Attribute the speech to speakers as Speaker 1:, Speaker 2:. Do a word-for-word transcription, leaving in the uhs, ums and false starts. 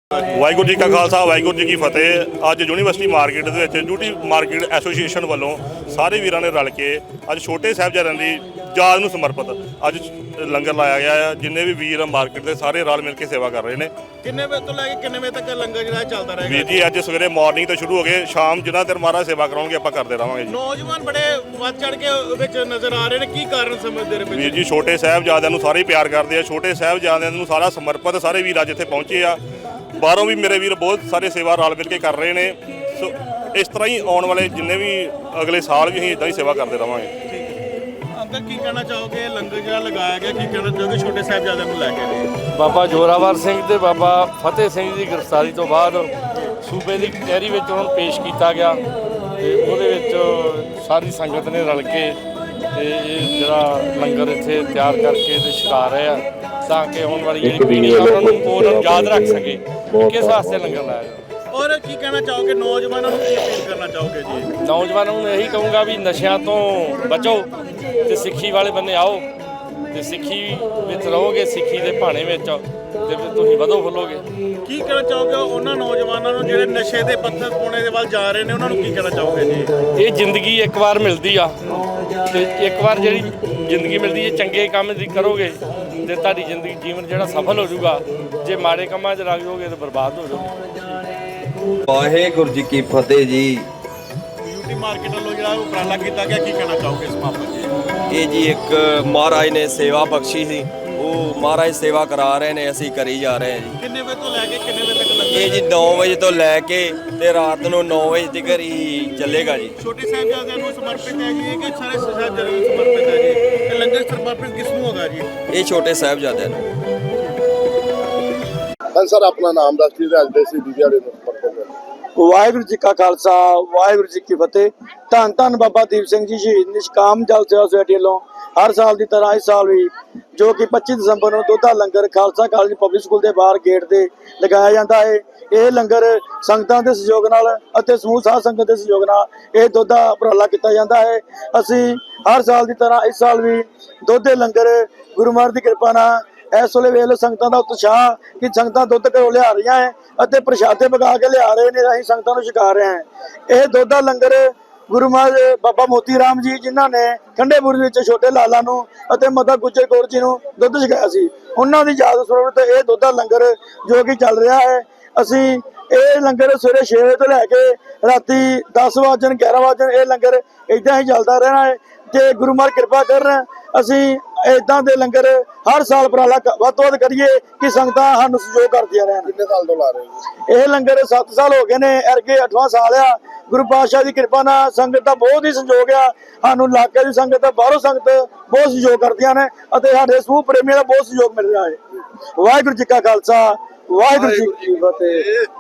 Speaker 1: ਵਾਹਿਗੁਰੂ ਜੀ ਕਾ ਖਾਲਸਾ ਵਾਹਿਗੁਰੂ ਜੀ ਕੀ ਫਤਿਹ। ਅੱਜ ਯੂਨੀਵਰਸਿਟੀ ਮਾਰਕੀਟ ਦੇ ਵਿੱਚ ਡਿਊਟੀ ਮਾਰਕੀਟ ਐਸੋਸੀਏਸ਼ਨ ਵੱਲੋਂ ਸਾਰੇ ਵੀਰਾਂ ਨੇ ਰਲ ਕੇ ਅੱਜ ਛੋਟੇ ਸਾਹਿਬਜ਼ਾਦਿਆਂ ਦੀ ਯਾਦ ਨੂੰ ਸਮਰਪਿਤ ਅੱਜ ਲੰਗਰ ਲਾਇਆ ਗਿਆ ਹੈ। ਜਿੰਨੇ ਵੀ ਵੀਰ ਮਾਰਕੀਟ ਦੇ ਸਾਰੇ ਰਲ ਮਿਲ ਕੇ ਸੇਵਾ ਕਰ ਰਹੇ ਨੇ।
Speaker 2: ਕਿੰਨੇ ਵਜੇ ਤੋਂ ਲੈ ਕੇ ਕਿੰਨੇ ਵਜੇ ਤੱਕ ਲੰਗਰ ਜਿਹੜਾ ਚੱਲਦਾ ਰਹੇਗਾ?
Speaker 1: ਵੀਰ ਜੀ ਅੱਜ ਸਵੇਰੇ ਮਾਰਨਿੰਗ ਤੋਂ ਸ਼ੁਰੂ ਹੋ ਗਏ, ਸ਼ਾਮ ਜਿੰਨਾ ਦੇਰ ਮਹਾਰਾਜ ਸੇਵਾ ਕਰਾਉਣਗੇ ਆਪਾਂ ਕਰਦੇ ਰਹਾਂਗੇ ਜੀ।
Speaker 2: ਨੌਜਵਾਨ ਬੜੇ ਵੱਧ ਚੜ ਕੇ ਵਿੱਚ ਨਜ਼ਰ ਆ ਰਹੇ ਨੇ, ਕੀ ਕਾਰਨ ਸਮਝਦੇ ਨੇ?
Speaker 1: ਵੀਰ ਜੀ ਛੋਟੇ ਸਾਹਿਬਜ਼ਾਦਿਆਂ ਨੂੰ ਸਾਰੇ ਪਿਆਰ ਕਰਦੇ ਆ, ਛੋਟੇ ਸਾਹਿਬਜ਼ਾਦਿਆਂ ਨੂੰ ਸਾਰਾ ਸਮਰਪਿਤ ਸਾਰੇ ਵੀਰ ਅੱਜ ਇੱਥੇ ਪਹੁੰਚੇ ਆ। ਬਾਹਰੋਂ ਵੀ ਮੇਰੇ ਵੀਰ ਬਹੁਤ ਸਾਰੇ ਸੇਵਾ ਰਲ ਮਿਲ ਕੇ ਕਰ ਰਹੇ ਨੇ। ਸੋ ਇਸ ਤਰ੍ਹਾਂ ਹੀ ਆਉਣ ਵਾਲੇ ਜਿੰਨੇ ਵੀ ਅਗਲੇ ਸਾਲ ਵੀ ਅਸੀਂ ਇਦਾਂ ਹੀ ਸੇਵਾ ਕਰਦੇ ਰਹਾਂਗੇ।
Speaker 2: ਅੰਕਲ ਕੀ ਕਹਿਣਾ ਚਾਹੋਗੇ? ਲੰਗਰ ਜਿਹੜਾ ਲਗਾਇਆ ਗਿਆ, ਕੀ ਕਹਿਣਾ ਚਾਹੋਗੇ ਛੋਟੇ ਸਾਹਿਬਜ਼ਾਦਿਆਂ ਨੂੰ ਲੈ ਕੇ?
Speaker 3: ਬਾਬਾ ਜ਼ੋਰਾਵਰ ਸਿੰਘ ਤੇ ਬਾਬਾ ਫਤਿਹ ਸਿੰਘ ਦੀ ਗ੍ਰਿਫਤਾਰੀ ਤੋਂ ਬਾਅਦ ਸੂਬੇ ਦੀ ਕਚਹਿਰੀ ਵਿੱਚ ਉਹਨਾਂ ਨੂੰ ਪੇਸ਼ ਕੀਤਾ ਗਿਆ ਤੇ ਉਹਦੇ ਵਿੱਚ ਸਾਰੀ ਸੰਗਤ ਨੇ ਰਲ ਕੇ ਤੇ ਇਹ ਜਿਹੜਾ ਲੰਗਰ ਇੱਥੇ ਤਿਆਰ ਕਰਕੇ ਤੇ ਛਕਾ ਰਹੇ ਆ ਤਾਂ ਕਿ ਆਉਣ ਵਾਲੀ ਜਿਹੜੀ ਪੀੜ੍ਹੀ ਆ ਉਹਨਾਂ ਨੂੰ ਉਹਨਾਂ ਨੂੰ ਯਾਦ ਰੱਖ ਸਕੇ ਕਿਸ ਵਾਸਤੇ ਲੰਗਰ ਲਾਇਆ ਜਾਂਦਾ।
Speaker 2: ਔਰ ਕੀ ਕਹਿਣਾ ਚਾਹੋਗੇ ਨੌਜਵਾਨਾਂ ਨੂੰ, ਕੀ ਅਪੀਲ ਕਰਨਾ ਚਾਹੋਗੇ ਜੀ?
Speaker 3: ਨੌਜਵਾਨਾਂ ਨੂੰ ਇਹੀ ਕਹੂੰਗਾ ਵੀ ਨਸ਼ਿਆਂ ਤੋਂ ਬਚੋ ਤੇ ਸਿੱਖੀ ਵਾਲੇ ਬੰਨੇ ਆਓ ਤੇ ਸਿੱਖੀ ਵਿੱਚ ਰਹੋਗੇ, ਸਿੱਖੀ ਦੇ ਭਾਣੇ ਵਿੱਚ ਤੇ ਤੁਸੀਂ ਵਧੋ ਫੁੱਲੋਗੇ।
Speaker 2: ਕੀ ਕਹਿਣਾ ਚਾਹੋਗੇ ਉਹਨਾਂ ਨੌਜਵਾਨਾਂ ਨੂੰ ਜਿਹੜੇ ਨਸ਼ੇ ਦੇ ਪੱਥਰ ਪਾਉਣੇ ਦੇ ਵੱਲ ਜਾ ਰਹੇ ਨੇ, ਉਹਨਾਂ ਨੂੰ ਕੀ ਕਹਿਣਾ ਚਾਹੋਗੇ ਜੀ?
Speaker 3: ਇਹ ਜ਼ਿੰਦਗੀ ਇੱਕ ਵਾਰ ਮਿਲਦੀ ਆ ਤੇ ਇੱਕ ਵਾਰ ਜਿਹੜੀ ਜ਼ਿੰਦਗੀ ਮਿਲਦੀ ਹੈ ਚੰਗੇ ਕੰਮ ਦੀ ਕਰੋਗੇ ਤੇ ਤੁਹਾਡੀ ਜ਼ਿੰਦਗੀ ਜੀਵਨ ਜਿਹੜਾ ਸਫਲ ਹੋ ਜਾਊਗਾ। ਜੇ ਮਾੜੇ ਕੰਮਾਂ 'ਚ ਲੱਗ ਜਾਓਗੇ ਤਾਂ ਬਰਬਾਦ ਹੋ ਜਾਓਗੇ।
Speaker 4: ਵਾਹਿਗੁਰੂ ਜੀ ਕੀ ਫਤਿਹ ਜੀ।
Speaker 2: ਯੂਟੀ ਮਾਰਕੀਟ ਵੱਲੋਂ ਜਿਹੜਾ ਉਪਰਾਲਾ ਕੀਤਾ ਗਿਆ, ਕੀ ਕਹਿਣਾ ਚਾਹੋਗੇ ਇਸ ਮਾਮਲੇ 'ਚ?
Speaker 4: ਇਹ ਜੀ ਇੱਕ ਮਹਾਰਾਜ ਨੇ ਸੇਵਾ ਬਖਸ਼ੀ ਸੀ, ਉਹ ਮਹਾਰਾਜ ਸੇਵਾ ਕਰਾ ਰਹੇ ਨੇ, ਅਸੀਂ ਕਰੀ ਜਾ ਰਹੇ ਹਾਂ ਜੀ।
Speaker 2: ਕਿੰਨੇ ਵਜੇ ਤੋਂ ਲੈ ਕੇ ਕਿੰਨੇ ਵਜੇ ਤੱਕ ਲੰਗਰ?
Speaker 4: ਇਹ ਜੀ ਨੌ ਵਜੇ ਤੋਂ ਲੈ ਕੇ ਤੇ ਰਾਤ ਨੂੰ ਨੌ ਵਜੇ ਤੱਕ ਹੀ ਚੱਲੇਗਾ ਜੀ।
Speaker 2: ਛੋਟੇ ਸਾਹਿਬਜ਼ਾਦਿਆਂ ਨੂੰ ਸਮਰਪਿਤ ਹੈ ਜੀ ਕਿ ਸਾਰੇ ਸਾਹਿਬਜ਼ਾਦਿਆਂ ਨੂੰ ਸਮਰਪਿਤ ਹੈ ਜੀ? ਇਹ ਲੰਗਰ ਸਮਰਪਿਤ ਕਿਸ ਨੂੰ ਹੋਗਾ ਜੀ?
Speaker 4: ਇਹ ਛੋਟੇ ਸਾਹਿਬਜ਼ਾਦਿਆਂ ਨੂੰ।
Speaker 5: ਹਾਂ ਸਰ, ਆਪਣਾ ਨਾਮ ਦੱਸ ਦਿਓ। ਅੱਜ ਦੇ ਸੀ ਦਿਹਾੜੇ ਨੂੰ ਸਮਰਪਿਤ ਹੈ।
Speaker 6: ਵਾਹਿਗੁਰੂ ਜੀ ਕਾ ਖਾਲਸਾ ਵਾਹਿਗੁਰੂ ਜੀ ਕੀ ਫਤਿਹ। ਧੰਨ ਧੰਨ ਬਾਬਾ ਦੀਪ ਸਿੰਘ ਜੀ ਸ਼ਹੀਦ ਨਿਸ਼ਕਾਮ ਜਲ ਸੇਵਾ ਸੁਸਾਇਟੀ ਵੱਲੋਂ ਹਰ ਸਾਲ ਦੀ ਤਰ੍ਹਾਂ ਇਸ ਸਾਲ ਵੀ ਜੋ ਕਿ ਪੱਚੀ ਦਸੰਬਰ ਨੂੰ ਦੁੱਧ ਦਾ ਲੰਗਰ ਖਾਲਸਾ ਕਾਲਜ ਪਬਲਿਕ ਸਕੂਲ ਦੇ ਬਾਹਰ ਗੇਟ ਤੇ ਲਗਾਇਆ ਜਾਂਦਾ ਹੈ। ਇਹ ਲੰਗਰ ਸੰਗਤਾਂ ਦੇ ਸਹਿਯੋਗ ਨਾਲ ਅਤੇ ਸਮੂਹ ਸਾਧ ਸੰਗਤ ਦੇ ਸਹਿਯੋਗ ਨਾਲ ਇਹ ਦੁੱਧ ਦਾ ਉਪਰਾਲਾ ਕੀਤਾ ਜਾਂਦਾ ਹੈ। ਅਸੀਂ ਹਰ ਸਾਲ ਦੀ ਤਰ੍ਹਾਂ ਇਸ ਸਾਲ ਵੀ ਦੁੱਧ ਦੇ ਲੰਗਰ ਗੁਰੂ ਮਹਾਰਾਜ ਦੀ ਕਿਰਪਾ ਨਾਲ ਇਸ ਵੇਲੇ ਵੇਖ ਲਓ ਸੰਗਤਾਂ ਦਾ ਉਤਸ਼ਾਹ ਕਿ ਸੰਗਤਾਂ ਦੁੱਧ ਘਰੋਂ ਲਿਆ ਰਹੀਆਂ ਹੈ ਅਤੇ ਪ੍ਰਸ਼ਾਦੇ ਪਕਾ ਕੇ ਲਿਆ ਰਹੇ ਨੇ, ਅਸੀਂ ਸੰਗਤਾਂ ਨੂੰ ਛਕਾ ਰਹੇ ਹਾਂ। ਇਹ ਦੁੱਧ ਦਾ ਲੰਗਰ ਗੁਰੂ ਮਹਾਰਾਜ ਬਾਬਾ ਮੋਤੀ ਰਾਮ ਜੀ ਜਿਨ੍ਹਾਂ ਨੇ ਠੰਡੇਪੁਰ ਵਿੱਚ ਛੋਟੇ ਲਾਲਾ ਨੂੰ ਅਤੇ ਮਾਤਾ ਗੁਜਰ ਕੌਰ ਜੀ ਨੂੰ ਦੁੱਧ ਛਕਾਇਆ ਸੀ, ਉਹਨਾਂ ਦੀ ਯਾਦ ਸਰੋਵਰ ਤੇ ਇਹ ਦੁੱਧ ਦਾ ਲੰਗਰ ਜੋ ਕਿ ਚੱਲ ਰਿਹਾ ਹੈ। ਅਸੀਂ ਇਹ ਲੰਗਰ ਸਵੇਰੇ ਛੇ ਵਜੇ ਤੋਂ ਲੈ ਕੇ ਰਾਤੀ ਦਸ ਵਜੇ ਗਿਆਰਾਂ ਵਜੇ ਇਹ ਲੰਗਰ ਏਦਾਂ ਹੀ ਚੱਲਦਾ ਰਹਿਣਾ ਹੈ। ਤੇ ਗੁਰੂ ਮਹਾਰਾਜ ਕਿਰਪਾ ਕਰਨ ਅਸੀਂ ਏਦਾਂ ਦੇ ਲੰਗਰ ਹਰ ਸਾਲ ਉਪਰਾਲਾ ਵੱਧ ਤੋਂ ਵੱਧ ਕਰੀਏ ਕਿ ਸੰਗਤਾਂ ਸਾਨੂੰ ਸਹਿਯੋਗ ਕਰਦੀਆਂ ਰਹਿਣ।
Speaker 5: ਕਿੰਨੇ ਸਾਲ ਤੋਂ ਲਾ ਰਹੇ ਹੋ?
Speaker 6: ਇਹ ਲੰਗਰ ਸੱਤ ਸਾਲ ਹੋ ਗਏ ਨੇ, ਅਰਗੇ ਅੱਠਵਾਂ ਸਾਲ ਆ। ਗੁਰੂ ਪਾਤਸ਼ਾਹ ਦੀ ਕਿਰਪਾ ਨਾਲ ਸੰਗਤ ਦਾ ਬਹੁਤ ਹੀ ਸਹਿਯੋਗ ਆ। ਸਾਨੂੰ ਇਲਾਕੇ ਦੀ ਸੰਗਤ, ਬਾਹਰੋਂ ਸੰਗਤ ਬਹੁਤ ਸਹਿਯੋਗ ਕਰਦੀਆਂ ਨੇ ਅਤੇ ਸਾਡੇ ਸਮੂਹ ਪ੍ਰੇਮੀਆਂ ਦਾ ਬਹੁਤ ਸਹਿਯੋਗ ਮਿਲ ਰਿਹਾ ਹੈ। ਵਾਹਿਗੁਰੂ ਜੀ ਕਾ ਖਾਲਸਾ ਵਾਹਿਗੁਰੂ ਜੀ ਕੀ ਫਤਿਹ।